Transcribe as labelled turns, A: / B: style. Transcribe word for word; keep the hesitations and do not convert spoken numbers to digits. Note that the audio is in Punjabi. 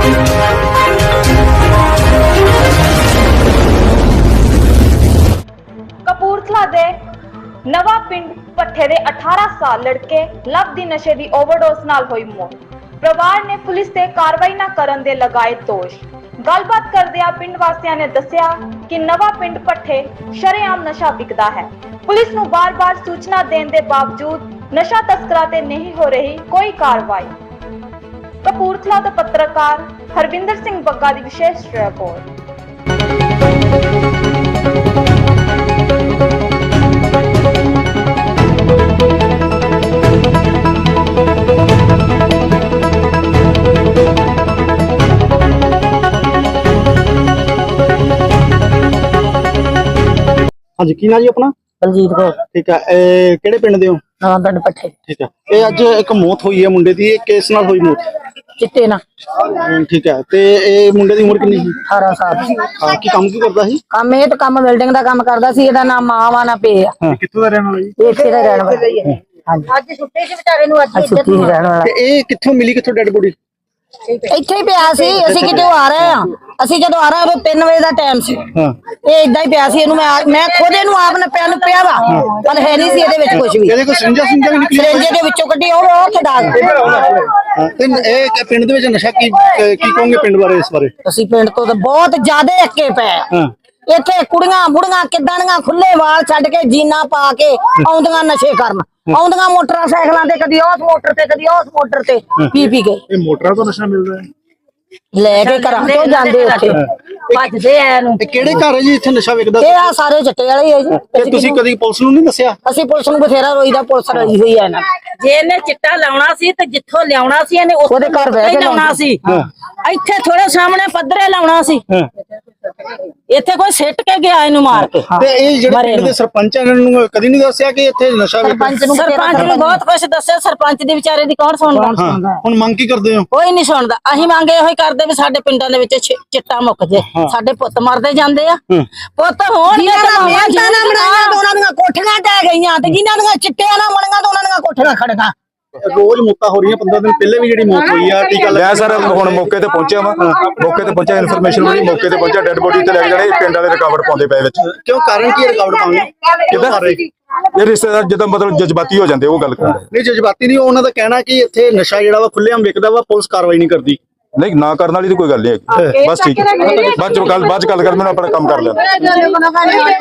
A: कपूरथला दे नवा पिंड पट्ठे दे अठारह साल लड़के लव दी नशे दी ओवरडोज नाल होई मौत। परिवार ने पुलिस ते कार्रवाई ना करन दे लगाए दोष। गलबात करदिया पिंड वासियां ने दस्सिया कि नवा पिंड पट्ठे शरेआम नशा बिकदा है। पुलिस नूं बार-बार सूचना देने दे बावजूद नशा तस्करां ते नहीं हो रही कोई कार्रवाई। कपूरथला तो पत्रकार हरविंदर सिंह बग्गा दी विशेष रिपोर्ट।
B: हाँ जी, की ना जी अपना?
C: बलजीत कौर।
B: ठीक है, ए किहड़े पिंड दे हो?
C: नवां पिंड पट्ठे।
B: ठीक है, ये अज एक मौत हुई है मुंडे दी, किस नाल हुई मौत?
C: चिट्टे ना।
B: ठीक है, ते ए मुंडे दी उम्र कितनी सी?
C: अठारह साल।
B: हां, की काम की करदा सी?
C: काम ये तो काम बिल्डिंग दा काम करदा सी। एदा नाम मां वा ना पे आ।
B: हां, कित्थों दा रहन वाला जी?
C: इत्थे दा रहन वाला है। हां जी,
D: ਅੱਜ ਛੁੱਟੇ ਸੀ ਵਿਚਾਰੇ ਨੂੰ ਅੱਜ
C: छुट्टी ही रहन वाला।
B: ते ए कित्थों मिली, कित्थों डेड बॉडी?
C: ਇੱਥੇ ਹੀ ਪਿਆ ਸੀ। ਅਸੀਂ ਕਿਤੇ ਆ ਰਹੇ ਆ, ਅਸੀਂ ਜਦੋਂ ਆ ਰਹੇ ਉਹ ਤਿੰਨ ਵਜੇ ਦਾ ਟਾਈਮ ਸੀ।
B: हां,
C: ਇਹ ਇਦਾਂ ਹੀ ਪਿਆ ਸੀ। ਇਹਨੂੰ ਮੈਂ ਮੈਂ ਖੁਦ ਇਹਨੂੰ ਆਪ ਨੇ ਪਿਆ ਨੂੰ ਪਿਆ ਵਾ, ਪਰ ਹੈ ਨਹੀਂ ਸੀ ਇਹਦੇ ਵਿੱਚ ਕੁਝ ਵੀ।
B: ਇਹਦੇ ਕੋਈ ਸਿੰਜਾ ਸਿੰਜਾ ਵੀ ਨਿਕਲੀ?
C: ਸਿਰੰਜੇ ਦੇ ਵਿੱਚੋਂ ਕੱਢੀ ਉਹ ਉਹ ਖਿਡਾ ਦਿੱਤੀ।
B: हां, ते ए पिंड दे विच नशा की की कहोगे पिंड बारे, इस बारे?
C: ਅਸੀਂ ਪਿੰਡ ਤੋਂ ਤਾਂ ਬਹੁਤ ਜ਼ਿਆਦਾ ਅੱਕੇ ਪਏ ਆ।
B: हां,
C: ਇੱਥੇ ਕੁੜੀਆਂ ਬੁੜੀਆਂ ਕਿੱਦਾਂ ਦੀਆਂ ਖੁੱਲੇ ਵਾਲ ਛੱਡ ਕੇ ਜੀਨਾ ਪਾ ਕੇ ਆਉਂਦੀਆਂ ਨਸ਼ੇ ਕਰਨ, ਆਉਂਦੀਆਂ ਮੋਟਰਸਾਈਕਲਾਂ ਤੇ, ਕਦੀ ਉਸ ਮੋਟਰ ਤੇ ਕਦੀ ਉਸ ਮੋਟਰ ਤੇ ਪੀ ਪੀ ਕੇ।
B: ਇਹ ਮੋਟਰਾਂ ਤੋਂ ਨਸ਼ਾ ਮਿਲਦਾ ਹੈ?
C: ਲੈ ਕੇ ਘਰਾਂ ਤੋਂ ਜਾਂਦੇ ਉੱਥੇ ਭੱਜਦੇ ਆ ਇਹਨੂੰ।
B: ਤੇ ਕਿਹੜੇ ਘਰ ਹੈ ਜੀ ਇੱਥੇ ਨਸ਼ਾ ਵਿਕਦਾ?
C: ਇਹ ਆ ਸਾਰੇ ਚਿੱਟੇ ਵਾਲੇ ਹੀ ਆ ਜੀ।
B: ਤੇ ਤੁਸੀਂ ਕਦੀ ਪੁਲਿਸ ਨੂੰ ਨਹੀਂ ਦੱਸਿਆ?
C: ਅਸੀਂ ਪੁਲਿਸ ਨੂੰ ਬਥੇਰਾ ਰੋਈਦਾ, ਪੁਲਿਸ ਰੋਈ ਹੋਈ ਆ ਇਹਨਾਂ
D: ਜੇ ਇਹਨੇ ਚਿੱਟਾ ਲਾਉਣਾ ਸੀ ਤੇ ਜਿੱਥੋਂ ਲਿਆਉਣਾ ਸੀ ਇਹਨੇ
C: ਉਹਦੇ ਘਰ ਬਹਿ ਕੇ
D: ਲਾਉਣਾ ਸੀ। ਇੱਥੇ ਥੋੜੇ ਸਾਹਮਣੇ ਪੱਧਰੇ ਲਾਉਣਾ ਸੀ। ਇੱਥੇ ਕੋਈ ਸਿੱਟ ਕੇ ਗਿਆ ਇਹਨੂੰ ਮਾਰ ਕੇ।
B: ਤੇ ਇਹ ਜਿਹੜੇ ਪਿੰਡ ਦੇ ਸਰਪੰਚ ਇਹਨਾਂ ਨੂੰ ਕਦੀ ਨਹੀਂ ਦੱਸਿਆ ਕਿ ਇੱਥੇ ਨਸ਼ਾ ਵਿਕਦਾ?
C: ਸਰਪੰਚ ਨੂੰ
D: ਸਰਪੰਚ ਨੂੰ ਬਹੁਤ ਕੁਝ ਦੱਸਿਆ। ਸਰਪੰਚ ਦੀ ਵਿਚਾਰੇ ਦੀ ਕੌਣ ਸੁਣਦਾ?
B: ਹੁਣ ਮੰਗ ਕੀ ਕਰਦੇ ਹੋ?
D: ਕੋਈ ਨਹੀਂ ਸੁਣਦਾ। ਅਸੀਂ ਮੰਗ ਇਹੋ ਹੀ ਕਰਦੇ ਵੀ ਸਾਡੇ ਪਿੰਡਾਂ ਦੇ ਵਿੱਚ ਛਿ- ਚਿੱਟਾ ਮੁੱਕ ਜੇ। ਸਾਡੇ ਪੁੱਤ ਮਰਦੇ ਜਾਂਦੇ ਆ। ਪੁੱਤ ਹੋਣ
C: ਉਹਨਾਂ ਦੀਆਂ ਕੋਠੀਆਂ ਟਹਿ ਗਈਆਂ ਤੇ ਜਿਨ੍ਹਾਂ ਦੀਆਂ ਚਿੱਟਿਆਂ ਨਾਲ ਬਣੀਆਂ ਤੇ ਉਹਨਾਂ ਦੀਆਂ ਕੋਠੀਆਂ ਖੜੀਆਂ।
B: ਰੋਜ਼ ਮੌਤਾਂ ਹੋ ਰਹੀਆਂ। ਪੰਦਰਾਂ ਦਿਨ ਪਹਿਲੇ ਵੀ ਜਿਹੜੀ ਮੌਤ ਹੋਈ ਆ, ਟੀਕਾ
E: ਮੈਂ ਸਰ ਹੁਣ ਮੌਕੇ ਤੇ ਪਹੁੰਚਿਆ ਵਾ। ਮੌਕੇ ਤੇ ਪਹੁੰਚਿਆ, ਇਨਫੋਰਮੇਸ਼ਨ ਮਿਲੀ, ਮੌਕੇ ਤੇ ਪਹੁੰਚਿਆ। ਡੈਡ ਬੋਡੀ ਤੇ ਲੈ ਕੇ ਜਾਣੇ, ਪਿੰਡ ਵਾਲੇ ਰਿਕਾਵਰ ਪਾਉਂਦੇ ਪਏ ਵਿੱਚ।
B: ਕਿਉਂ, ਕਾਰਨ ਕੀ ਹੈ ਰਿਕਾਵਟ ਪਾਉਣ ਦਾ?
E: ਕਿਦਾਂ ਇਹ ਰਿਸ਼ਤੇਦਾਰ ਜਦੋਂ ਮਤਲਬ ਜਜ਼ਬਾਤੀ ਹੋ ਜਾਂਦੇ ਉਹ ਗੱਲ ਕਰ ਰਹੇ।
B: ਨਹੀਂ, ਜਜ਼ਬਾਤੀ ਨਹੀਂ, ਉਹਨਾਂ ਦਾ ਕਹਿਣਾ ਕਿ ਇੱਥੇ ਨਸ਼ਾ ਜਿਹੜਾ ਵਾ ਖੁੱਲ੍ਹੇਆਮ ਵਿਕਦਾ ਵਾ, ਪੁਲਿਸ ਕਾਰਵਾਈ ਨਹੀਂ ਕਰਦੀ।
E: ਨਹੀਂ, ਨਾ ਕਰਨ ਵਾਲੀ ਤਾਂ ਕੋਈ ਗੱਲ ਨਹੀਂ ਹੈਗੀ। ਬਸ ਠੀਕ ਹੈ, ਬਾਅਦ ਚ ਗੱਲ ਬਾਅਦ ਚ ਗੱਲ ਕਰ, ਮੈਨੂੰ ਆਪਣਾ ਕੰਮ ਕਰ ਲੈਣਾ।